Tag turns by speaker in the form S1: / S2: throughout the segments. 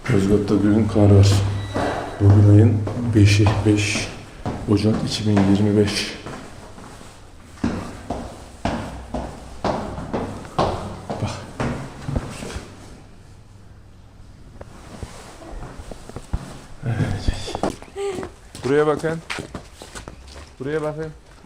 S1: Yozgat'ta dün kar var. Bugün ayın 5'i, 5 Ocak 2025. Bak. Evet. Buraya bakın. Buraya bakın.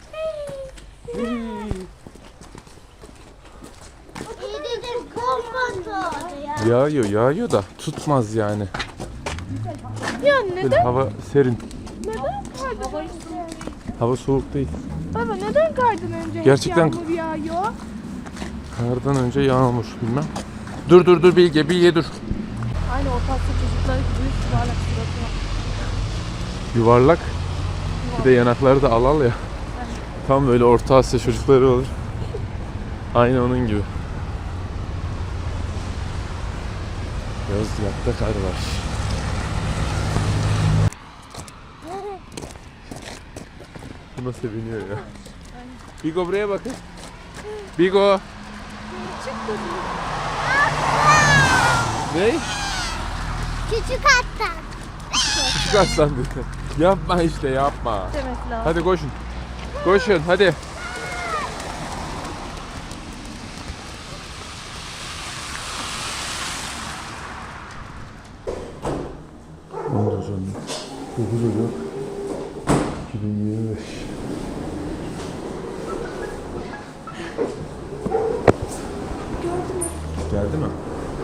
S1: Yağıyor da tutmaz yani.
S2: Ya neden?
S1: Böyle hava serin.
S2: Neden kardan?
S1: Hava soğuk değil.
S2: Baba neden kardan önce
S1: Gerçekten
S2: hep yağmur yağıyor?
S1: kardan önce yağmur bilmem. Dur Bilge dur.
S2: Aynı Orta Asya çocukları gibi yuvarlak suratı var.
S1: Yuvarlak. Bir de yanakları da al ya. Tam böyle Orta Asya çocukları olur. Aynı onun gibi. Yozgat'ta kar var. Bu nasıl seviniyor ya. Bigo buraya bakın. Bigo. Ne?
S3: Küçük aslan.
S1: Küçük aslan dedi. Yapma işte yapma.
S2: Demek lazım.
S1: Hadi koşun. Koşun hadi. 9 Ocak 2025. Geldi mi?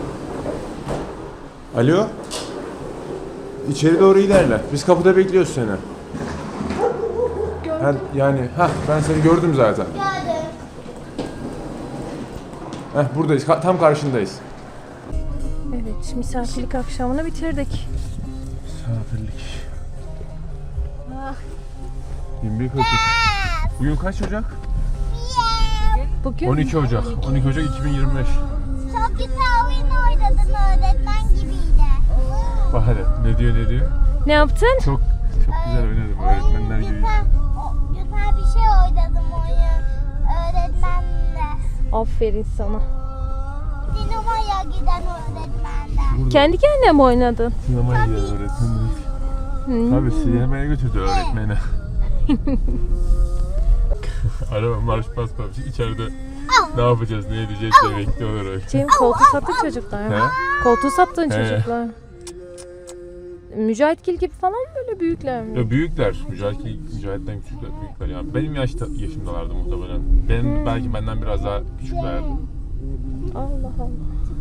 S1: Alo? İçeri doğru ilerle. Biz kapıda bekliyoruz seni. Yani ben seni gördüm zaten.
S3: Geldim.
S1: Buradayız. Tam karşındayız.
S2: Evet, misafirlik akşamını bitirdik.
S1: Misafirlik.
S2: Ah.
S1: 21 Ocak. Bugün kaç Ocak?
S2: Bugün
S1: 12 Ocak. 12 Ocak 2025.
S3: Çok güzel oyun oynadın öğretmen gibiydi.
S1: Bak hadi. Ne diyor?
S2: ne yaptın?
S1: Çok güzel oynadım öğretmenler gibi.
S3: Güzel bir şey oynadım oyun öğretmenle.
S2: Aferin sana.
S3: Sinemaya giden öğretmenden.
S2: Kendi kendine mi oynadın?
S1: Sinemaya gidiyor öğretmenler. Tabii sinemaya götürdü öğretmeni. Araba marş basmamış. İçeride ne yapacağız, ne edeceğiz diye bekliyorlar öyle.
S2: Cem koltuğu sattı çocuklar.
S1: He?
S2: Koltuğu sattın
S1: He.
S2: çocuklar. Mücahitgil gibi falan mı böyle büyükler mi?
S1: Ya büyükler, Mücahit'ten küçükler, büyükler yani. Benim yaşımdalardı muhtemelen. Benim belki benden biraz daha küçüklerdi.
S2: Allah Allah.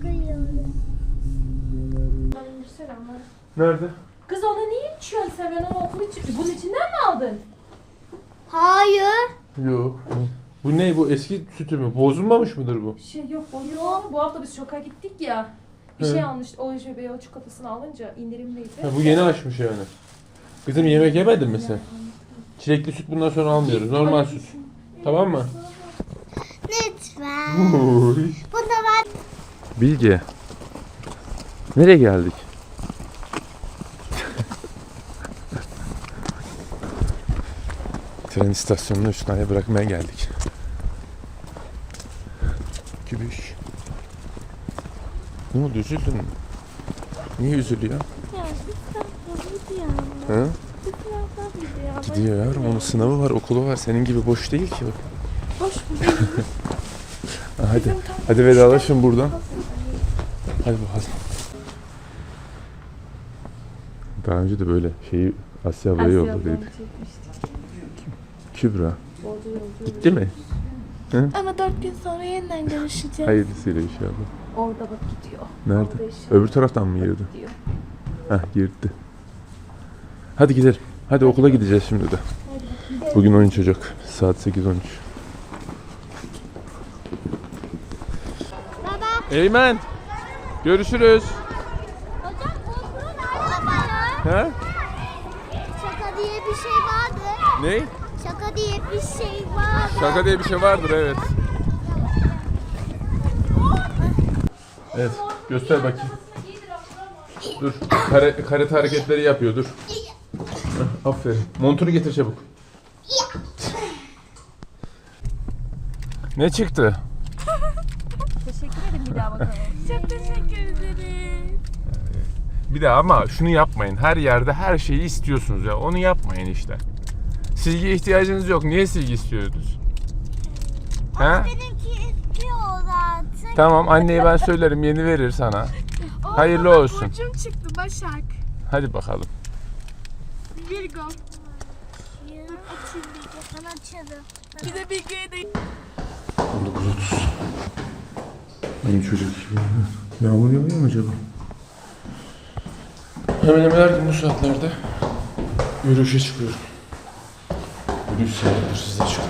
S1: Nerede?
S2: Kız ona niye içiyorsun sen? Ben onu okul için... Bunun içinden mi aldın?
S3: Hayır.
S1: Yok. Bu ne? Bu eski sütü mü? Bozulmamış mıdır bu?
S2: Yok bu hafta biz şoka gittik ya. Bir
S1: He.
S2: şey almış. O o çikolatasını alınca indirimliydi.
S1: Bu yeni açmış yani. Kızım yemek yemedin mi sen? Çilekli süt bundan sonra almıyoruz. Normal süt. Tamam mı?
S3: Lütfen. Bunu ben...
S1: Bilge. Nereye geldik? Tren istasyonuna Üstüne bırakmaya geldik. Kübüş. Ne oldu, üzüldün mü? Niye üzülüyor?
S3: Ya gidiyor.
S1: Ha?
S3: Gidiyor.
S1: Gidiyor yavrum, onun sınavı var, okulu var. Senin gibi boş değil ki o.
S2: Boş mu?
S1: Hadi vedalaşın buradan. Hadi bakalım. Daha önce de böyle şeyi Asya ablaya yolladıydık. Kübra. Gitti mi?
S3: Ama 4 gün sonra yeniden görüşeceğiz.
S1: Hayırlısıyla inşallah.
S2: Orada bak gidiyor.
S1: Nerede?
S2: Orada eşya-
S1: Öbür taraftan mı girdi?
S2: Gidiyor.
S1: Girdi. Hadi gidelim. Hadi okula gideceğiz şimdi de. Bugün 13 Ocak. Saat 8:13.
S3: Baba.
S1: Eymen. Görüşürüz.
S3: Hocam okulun arabaya.
S1: He?
S3: Şaka diye bir şey vardır.
S1: Ne?
S3: Şaka diye bir şey vardır.
S1: Şaka diye bir şey vardır, evet. Evet, göster bakayım. Dur, karate hareketleri yapıyor, dur. Aferin. Montunu getir çabuk. Ne çıktı?
S2: Teşekkür ederim bir daha bakalım.
S3: Çok teşekkür ederim.
S1: Bir de ama şunu yapmayın. Her yerde her şeyi istiyorsunuz ya. Onu yapmayın işte. Silgiye ihtiyacınız yok. Niye silgi istiyorsunuz?
S3: Ama benimki istiyor zaten.
S1: Tamam, anneye ben söylerim, yeni verir sana. Hayırlı olsun.
S4: Burcum çıktı Başak.
S1: Hadi bakalım.
S4: Virgo.
S3: Açayım bir sana açalım.
S4: Bir de Bilge'ye de
S1: 19.30. Benim çocuk gibi. Yağmur yağıyor mu acaba? Hemen hemen her gün bu saatlerde yürüyüşe çıkıyorum. Yürüyüş saatleri size çıkın.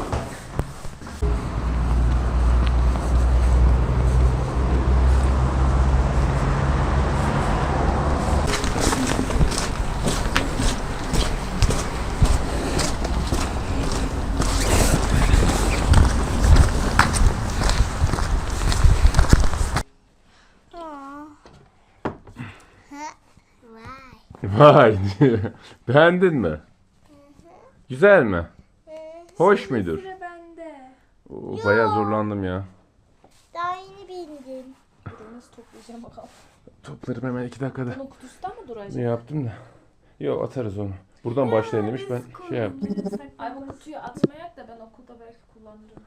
S3: Vay.
S1: Vay. Beğendin mi? Güzel mi? Hoş mudur?
S4: sıra bende.
S1: Oo, bayağı zorlandım ya.
S3: Daha yeni bindim.
S2: Nasıl toplayacağım bakalım.
S1: Toplarım hemen 2 dakikada.
S2: Bunun kutusundan mı duracak?
S1: Ne yaptım da? Yok, atarız onu. Buradan başlayın demiş, ben şey yaptım.
S2: Ay bu kutuyu atmayak da ben okulda belki kullanırım.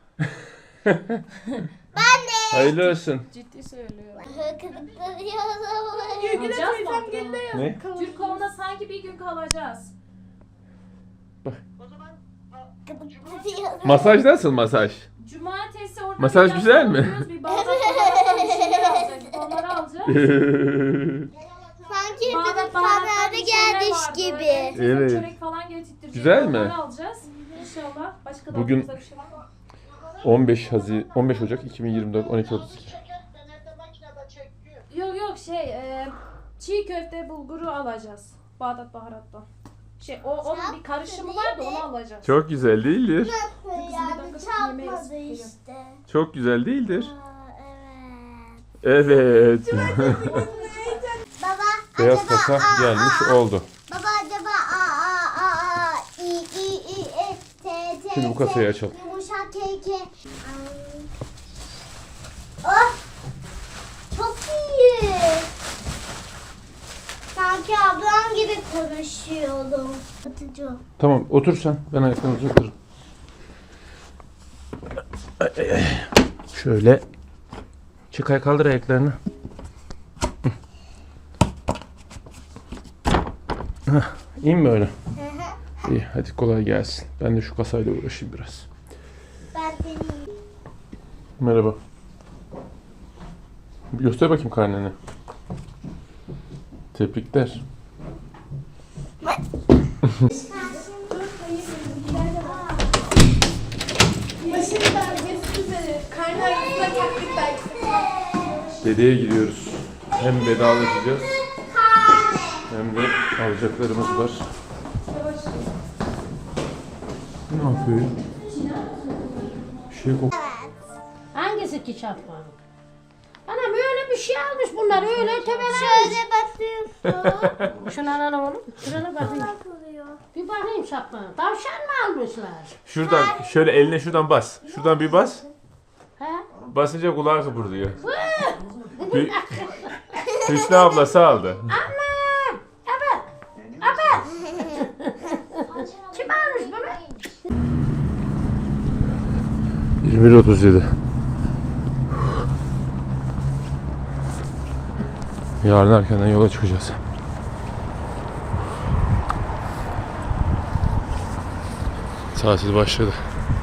S1: Hayırlı olsun.
S2: Ciddi söylüyorum.
S3: Kızıklanıyoruz.
S4: Gülgüle
S2: Alacağız
S4: teyzem
S2: mı?
S4: geldi ya.
S1: Ne?
S2: Türkov'da sanki bir gün kalacağız.
S3: Kızıklanıyoruz.
S1: Masaj nasıl masaj?
S2: Cumartesi orada
S1: Masaj
S2: bir
S1: güzel mi?
S2: yapıyoruz, Bir bardak falan bir şeyler alacağız. Onları alacağız.
S3: Sanki
S2: Bağdat
S3: bizim
S2: baharatlı
S3: sanatı
S2: bir şeyler
S3: gelmiş
S2: vardı.
S3: gibi.
S2: Teyzem
S1: Evet.
S2: çörek falan getirtecek.
S1: Güzel mi?
S2: Onları alacağız. İnşallah. Başka da
S1: Bugün-
S2: aklımızda bir şey var mı?
S1: 15 Ocak 2024 12.32.
S2: Yok yok çiğ köfte bulguru alacağız. Bağdat baharattan. Onun bir karışımı var da onu alacağız.
S1: Çok güzel değildir.
S3: Yani çarpmadı işte.
S1: Çok güzel değildir.
S3: Aa, evet.
S1: Evet.
S3: Baba
S1: Beyaz
S3: acaba
S1: kasa gelmiş oldu.
S3: Baba acaba i t t
S1: Şimdi bu kasayı açalım.
S3: Yumuşak k. Oh! Çok iyi. Sanki ablam gibi konuşuyordum. Atıcı.
S1: Tamam, otur sen. Ben ayaklarını uzatırım. Ay, ay, ay. Şöyle. Çıkay, kaldır ayaklarını. Hah, İyi mi böyle? İyi, hadi kolay gelsin. Ben de şu kasayla uğraşayım biraz.
S3: Ben deneyeyim.
S1: Merhaba. Bir göster bakayım karneni. Tebrikler.
S4: Başından geçmek üzere. Karnı arasında taklit belki.
S1: Dedeye giriyoruz. Hem vedalaşacağız hem de alacaklarımız var. Ne yapıyor? Bir şey kok.
S5: Hangisi ki çarpma? Anam öyle bir şey almış bunlar öyle tebeler.
S3: Şöyle bakıyorsun.
S5: Şunu alalım oğlum. Şuna bakayım.
S3: Bakılıyor.
S5: Bir bakayım çarpma. Tavşan mı almışlar?
S1: Şuradan şöyle eline şuradan bas. Şuradan bir bas.
S5: He?
S1: Basınca kulağı kıpırdıyor. Hüsnü ablası aldı.
S5: Ama! Evet. Evet. Kim almış bunu?
S1: 21.37. Yarın erkenden yola çıkacağız. Tatil başladı.